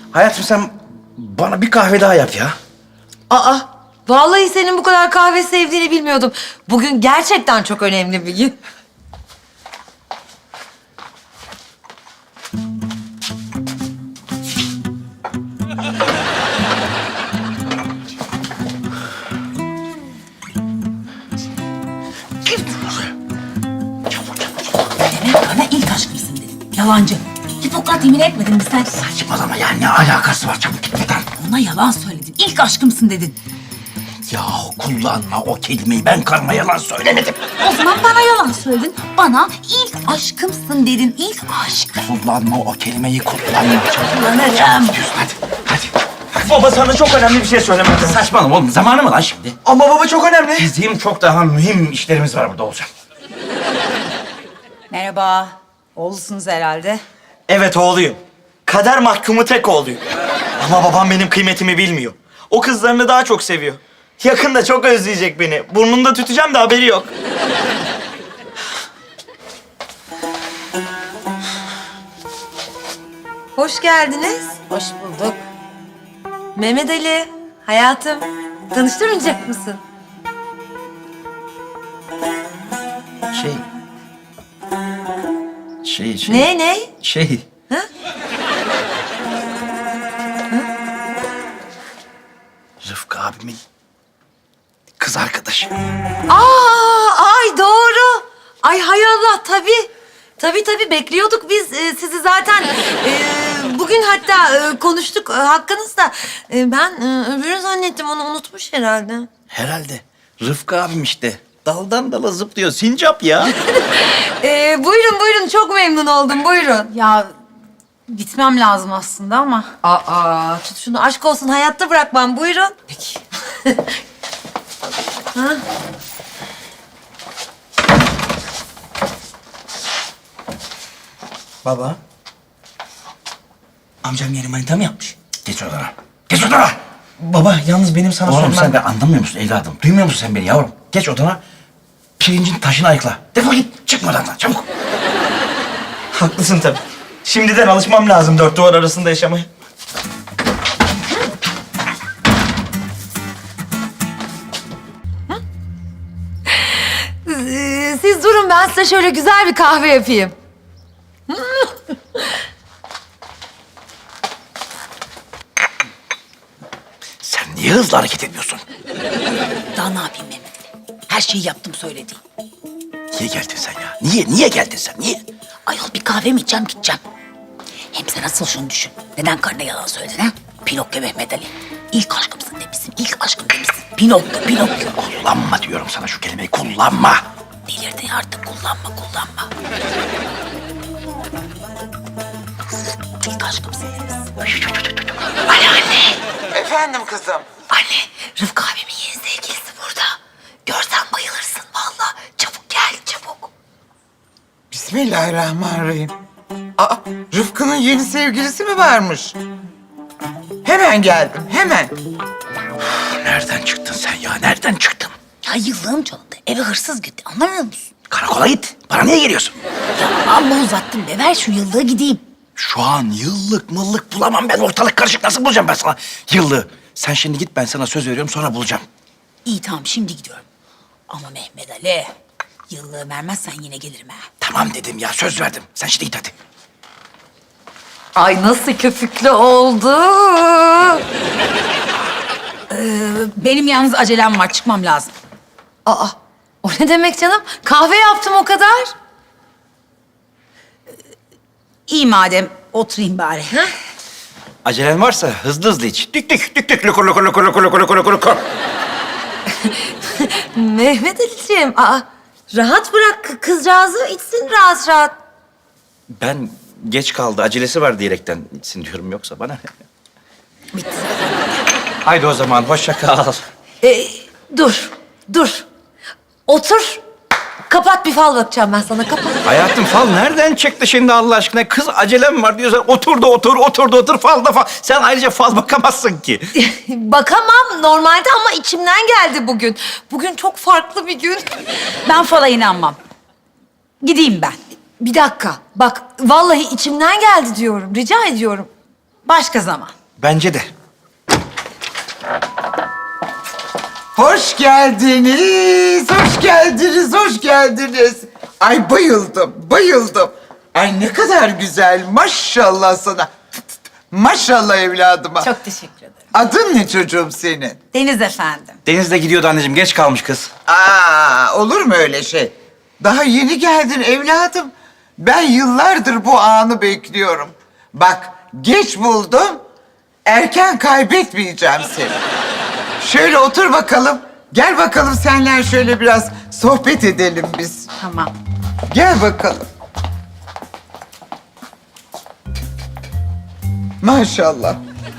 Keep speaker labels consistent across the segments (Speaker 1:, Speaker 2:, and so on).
Speaker 1: Hayatım sen bana bir kahve daha yap ya.
Speaker 2: Aa, vallahi senin bu kadar kahve sevdiğini bilmiyordum. Bugün gerçekten çok önemli bir gün.
Speaker 3: Bana ilk aşkımsın dedin. Yalancı. Hipokrat yemin etmedin mi sen?
Speaker 1: Saçmalama ya, ne alakası var? Çabuk git buradan.
Speaker 3: Ona yalan söyledin. İlk aşkımsın dedin.
Speaker 1: Yahu kullanma o kelimeyi, ben karıma yalan söylemedim.
Speaker 3: O zaman bana yalan söyledin. Bana ilk aşkımsın dedin. İlk aşk.
Speaker 1: Kullanma o kelimeyi, kullanma. Çabuk.
Speaker 3: Kullanırım.
Speaker 1: Gidiyorsun hadi.
Speaker 4: Baba sana çok önemli bir şey söylemem lazım.
Speaker 1: Saçmalama oğlum, zamanı mı lan şimdi?
Speaker 4: Ama baba çok önemli.
Speaker 1: Bizim çok daha mühim işlerimiz var burada olacak.
Speaker 5: Merhaba. Oğlusunuz herhalde.
Speaker 4: Evet oğluyum. Kader mahkumu tek oğluyum. Ama babam benim kıymetimi bilmiyor. O kızlarını daha çok seviyor. Yakında çok özleyecek beni. Burnunda tüteceğim de haberi yok.
Speaker 2: Hoş geldiniz.
Speaker 5: Hoş bulduk.
Speaker 2: Mehmet Ali, hayatım. Tanıştırmayacak mısın?
Speaker 1: Şey.
Speaker 2: Ne?
Speaker 1: Şey.
Speaker 2: Ha?
Speaker 1: Rıfkı abimin kız arkadaşı.
Speaker 2: Ay doğru. Ay hay Allah, tabii. Tabii bekliyorduk biz sizi zaten. Bugün hatta konuştuk hakkınızda. Ben öbürünü zannettim, onu unutmuş herhalde.
Speaker 1: Herhalde. Rıfkı abim işte. Daldan dala zıplıyor. Sincap ya.
Speaker 2: Buyurun çok memnun oldum, buyurun.
Speaker 5: Ya gitmem lazım aslında ama.
Speaker 2: Aa, tut şunu, aşk olsun, hayatta bırakmam, buyurun.
Speaker 5: Peki.
Speaker 4: Baba. Amcam yeni manita mı yapmış?
Speaker 1: Geç odana. Geç odana.
Speaker 4: Baba yalnız benim sana
Speaker 1: Oğlum
Speaker 4: sormam...
Speaker 1: sen de anlamıyor musun evladım? Duymuyor musun sen beni yavrum? Geç odana. Pirincin taşını ayıkla. Defol git. Çıkma odandan çabuk.
Speaker 4: Haklısın tabii. Şimdiden alışmam lazım dört duvar arasında yaşamaya.
Speaker 2: Siz durun, ben size şöyle güzel bir kahve yapayım.
Speaker 1: Sen niye hızlı hareket ediyorsun?
Speaker 3: Daha ne yapayım Mehmet Ali? Her şeyi yaptım söylediğin.
Speaker 1: Niye geldin sen ya? Niye geldin sen? Niye?
Speaker 3: Ayol bir kahve mi içeceğim gideceğim. Hem sen asıl şunu düşün. Neden karına yalan söyledin ha? Pinokyo Mehmet Ali. İlk aşkımsın demişsin. İlk aşkım demişsin. Pinokyo.
Speaker 1: Kullanma diyorum sana şu kelimeyi. Kullanma.
Speaker 3: Delirdin artık, kullanma. İlk aşkımsın demişsin. Anne.
Speaker 6: Efendim kızım.
Speaker 3: Anne, Rıfkı abimin yeni sevgilisi burada. Görsen bayılırsın vallahi. Çabuk gel, çabuk.
Speaker 6: Bismillahirrahmanirrahim. Aa, Rıfkı'nın yeni sevgilisi mi varmış? Hemen geldim, hemen.
Speaker 1: Nereden çıktın sen ya? Nereden çıktın?
Speaker 3: Ya yıllığım çalındı. Eve hırsız gitti. Anlamıyor musun?
Speaker 1: Karakola git. Bana niye geliyorsun?
Speaker 3: Ya amma uzattın be. Ver şu yıllığı gideyim.
Speaker 1: Şu an yıllık mıllık bulamam ben. Ortalık karışık. Nasıl bulacağım ben sana yıllığı? Sen şimdi git, ben sana söz veriyorum, sonra bulacağım.
Speaker 3: İyi tamam şimdi gidiyorum. Ama Mehmet Ali, yıllığı vermezsen yine gelirim ha.
Speaker 1: Tamam dedim ya, söz verdim. Sen şimdi git hadi.
Speaker 2: Ay nasıl köpüklü oldu.
Speaker 5: Benim yalnız acelem var. Çıkmam lazım.
Speaker 2: Aa, o ne demek canım? Kahve yaptım o kadar.
Speaker 5: İyi madem. Oturayım bari.
Speaker 1: Acelen varsa hızlı iç. Dük lukur.
Speaker 2: Mehmet Ali'ciğim, rahat bırak kızcağızı, içsin rahat.
Speaker 1: Ben geç kaldı, acelesi var diyerekten içsin diyorum, yoksa bana.
Speaker 5: Bitti.
Speaker 1: Haydi o zaman, hoşça kal.
Speaker 2: Dur. Otur. Kapat, bir fal bakacağım ben sana, kapat.
Speaker 1: Hayatım, fal nereden çıktı şimdi Allah aşkına? Kız acelem var diyorsan otur fal da fal. Sen ayrıca fal bakamazsın ki.
Speaker 2: Bakamam normalde ama içimden geldi bugün. Bugün çok farklı bir gün.
Speaker 5: Ben fala inanmam. Gideyim ben.
Speaker 2: Bir dakika, bak vallahi içimden geldi diyorum, rica ediyorum.
Speaker 5: Başka zaman.
Speaker 1: Bence de.
Speaker 6: Hoş geldiniz, hoş geldiniz, hoş geldiniz. Ay bayıldım, bayıldım. Ay ne kadar güzel, maşallah sana. Maşallah evladıma.
Speaker 5: Çok teşekkür ederim.
Speaker 6: Adın ne çocuğum senin?
Speaker 5: Deniz efendim.
Speaker 1: Deniz de gidiyordu anneciğim. Geç kalmış kız.
Speaker 6: Olur mu öyle şey? Daha yeni geldin evladım. Ben yıllardır bu anı bekliyorum. Bak, geç buldum, erken kaybetmeyeceğim seni. Şöyle otur bakalım. Gel bakalım senler şöyle biraz sohbet edelim biz.
Speaker 5: Tamam.
Speaker 6: Gel bakalım. Maşallah.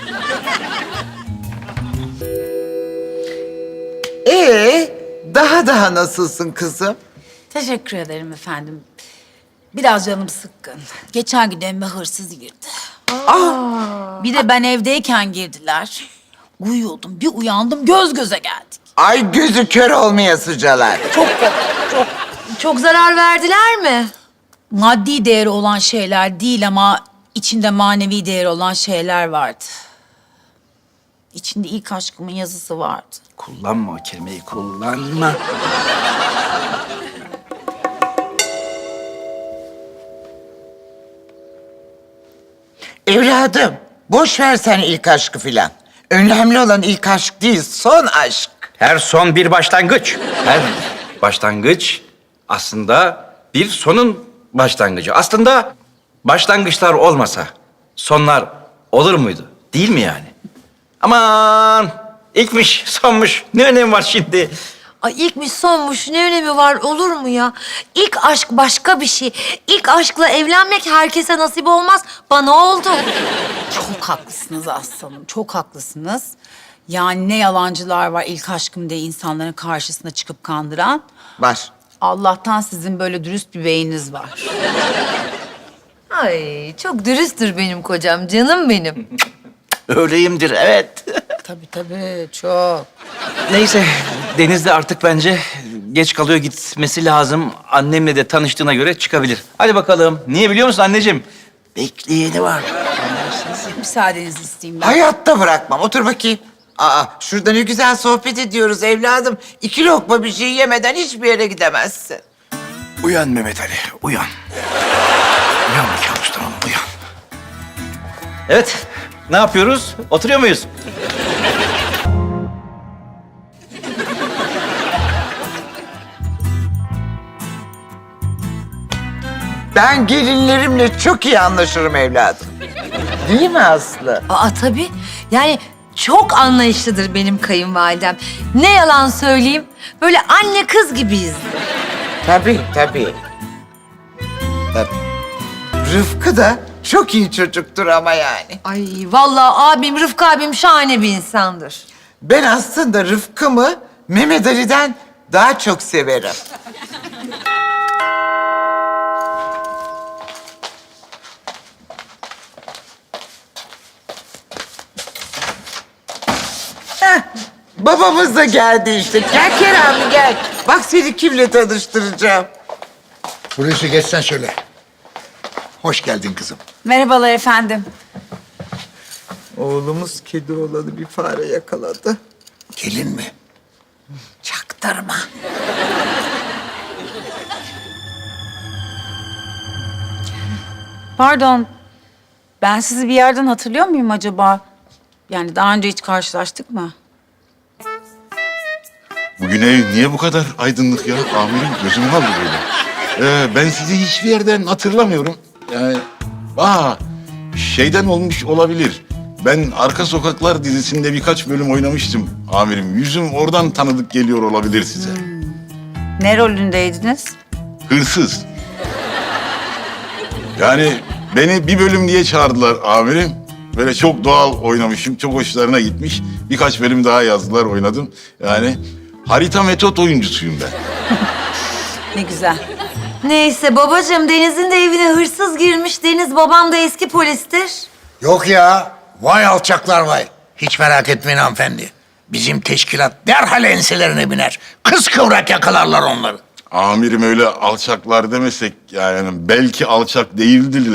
Speaker 6: Daha nasılsın kızım?
Speaker 5: Teşekkür ederim efendim. Biraz canım sıkkın. Geçen gün evime hırsız girdi. Bir de ben evdeyken girdiler. Uyuyordum, bir uyandım, göz göze geldik.
Speaker 6: Ay gözü kör olmaya sıcalar.
Speaker 2: Çok zarar verdiler mi?
Speaker 5: Maddi değeri olan şeyler değil ama içinde manevi değeri olan şeyler vardı. İçinde ilk aşkımın yazısı vardı.
Speaker 1: Kullanma o kelimeyi, kullanma.
Speaker 6: Evladım, boş ver sen ilk aşkı filan. Önemli olan ilk aşk değil, son aşk.
Speaker 1: Her son bir başlangıç. Her başlangıç aslında bir sonun başlangıcı. Aslında başlangıçlar olmasa sonlar olur muydu? Değil mi yani? Aman ilkmiş, sonmuş. Ne önemi var şimdi?
Speaker 2: Ay ilkmiş sonmuş ne önemi var olur mu ya? İlk aşk başka bir şey. İlk aşkla evlenmek herkese nasip olmaz. Bana oldu.
Speaker 5: Çok haklısınız aslanım, çok haklısınız. Yani ne yalancılar var ilk aşkım diye insanların karşısına çıkıp kandıran.
Speaker 6: Var.
Speaker 5: Allah'tan sizin böyle dürüst bir beyniniz var.
Speaker 2: Ay çok dürüsttür benim kocam, canım benim.
Speaker 1: Öyleyimdir, evet.
Speaker 5: Tabii, çok.
Speaker 1: Neyse, Deniz de artık bence geç kalıyor, gitmesi lazım. Annemle de tanıştığına göre çıkabilir. Hadi bakalım. Niye biliyor musun anneciğim? Bekleyeni var.
Speaker 5: Müsaadenizi isteyeyim ben.
Speaker 6: Hayatta bırakmam. Otur bakayım. Şurada ne güzel sohbet ediyoruz evladım. 2 lokma bir şey yemeden hiçbir yere gidemezsin.
Speaker 1: Uyan Mehmet Ali, uyan. Uyan kabustan oğlum, uyan. Evet, ne yapıyoruz? Oturuyor muyuz?
Speaker 6: Ben gelinlerimle çok iyi anlaşırım evladım. Değil mi Aslı?
Speaker 2: Tabii. Yani çok anlayışlıdır benim kayınvalidem. Ne yalan söyleyeyim. Böyle anne kız gibiyiz.
Speaker 6: Tabii. Tabii. Rıfkı da çok iyi çocuktur ama yani.
Speaker 2: Ay vallahi abim Rıfkı abim şahane bir insandır.
Speaker 6: Ben aslında Rıfkı'mı Mehmet Ali'den daha çok severim. Babamız da geldi işte. Gel Kerem gel. Bak seni kimle tanıştıracağım.
Speaker 7: Hulusi geçsen şöyle. Hoş geldin kızım.
Speaker 5: Merhabalar efendim.
Speaker 6: Oğlumuz kedi oğlanı bir fare yakaladı.
Speaker 7: Gelin mi?
Speaker 5: Çaktırma. Pardon. Ben sizi bir yerden hatırlıyor muyum acaba? Yani daha önce hiç karşılaştık mı?
Speaker 8: Bugün ev niye bu kadar aydınlık ya? Amirim gözüm kaldı böyle. Ben sizi hiçbir yerden hatırlamıyorum. Yani, şeyden olmuş olabilir. Ben Arka Sokaklar dizisinde birkaç bölüm oynamıştım amirim. Yüzüm oradan tanıdık geliyor olabilir size.
Speaker 5: Ne rolündeydiniz?
Speaker 8: Hırsız. Yani beni bir bölüm diye çağırdılar amirim. Böyle çok doğal oynamışım, çok hoşlarına gitmiş. Birkaç bölüm daha yazdılar, oynadım. Yani harita metot oyuncusuyum ben.
Speaker 5: Ne güzel.
Speaker 2: Neyse babacığım Deniz'in de evine hırsız girmiş. Deniz babam da eski polistir.
Speaker 7: Yok ya. Vay alçaklar vay. Hiç merak etmeyin hanımefendi. Bizim teşkilat derhal enselerine biner. Kıskıvrak yakalarlar onları.
Speaker 8: Amirim öyle alçaklar demesek yani belki alçak değildiler.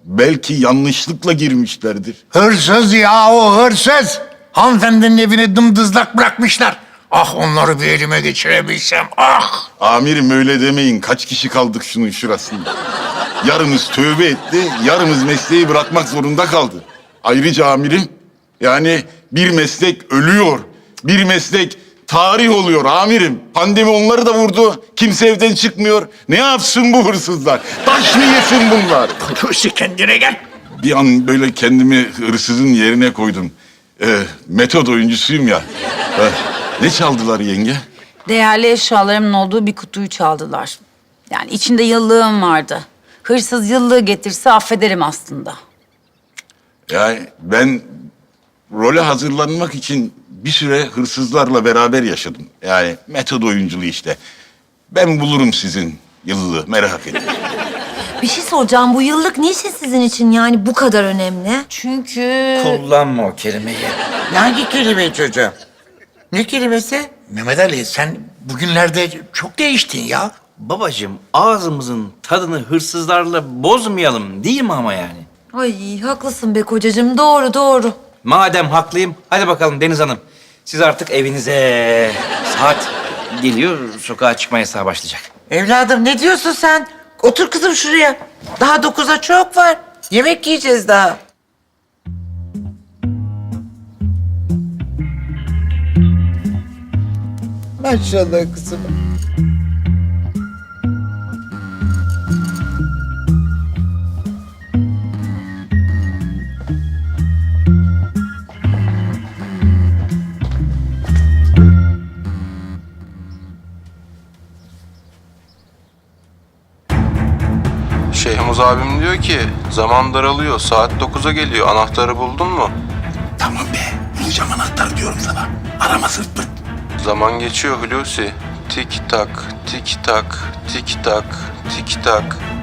Speaker 8: Belki yanlışlıkla girmişlerdir.
Speaker 7: Hırsız ya, o hırsız. Hanımefendinin evini dımdızlak bırakmışlar. Ah, onları bir elime geçirebilsem, ah!
Speaker 8: Amirim öyle demeyin. Kaç kişi kaldık şunun şurasında. Yarımız tövbe etti, yarımız mesleği bırakmak zorunda kaldı. Ayrıca amirim, yani bir meslek ölüyor. Bir meslek tarih oluyor amirim. Pandemi onları da vurdu. Kimse evden çıkmıyor. Ne yapsın bu hırsızlar? Taş mı yesin bunlar?
Speaker 7: Hırsı, kendine gel.
Speaker 8: Bir an böyle kendimi hırsızın yerine koydum. Metod oyuncusuyum ya. Ne çaldılar yenge?
Speaker 5: Değerli eşyalarımın olduğu bir kutuyu çaldılar. Yani içinde yıllığım vardı. Hırsız yıllığı getirse affederim aslında.
Speaker 8: Yani ben role hazırlanmak için bir süre hırsızlarla beraber yaşadım. Yani metod oyunculuğu işte. Ben bulurum sizin yıllığı, merak etmeyin.
Speaker 2: Bir şey soracağım. Bu yıllık niçin sizin için yani bu kadar önemli?
Speaker 5: Çünkü...
Speaker 1: Kullanma o kelimeyi.
Speaker 6: Hangi kelime çocuğum? Ne kelimesi?
Speaker 7: Mehmet Ali, sen bugünlerde çok değiştin ya.
Speaker 1: Babacığım ağzımızın tadını hırsızlarla bozmayalım değil mi ama yani?
Speaker 2: Ay haklısın be kocacığım. Doğru doğru.
Speaker 1: Madem haklıyım, hadi bakalım Deniz Hanım. Siz artık evinize. Saat geliyor, sokağa çıkma yasağı başlayacak.
Speaker 6: Evladım ne diyorsun sen? Otur kızım şuraya. Daha 9'a çok var. Yemek yiyeceğiz daha. Maşallah kızım.
Speaker 9: Şeyhmuz abim diyor ki zaman daralıyor, saat 9'a geliyor, anahtarı buldun mu?
Speaker 7: Tamam be, bulacağım anahtarı diyorum sana. Arama sırt pırt.
Speaker 9: Zaman geçiyor Hulusi. Tik tak, tik tak, tik tak, tik tak.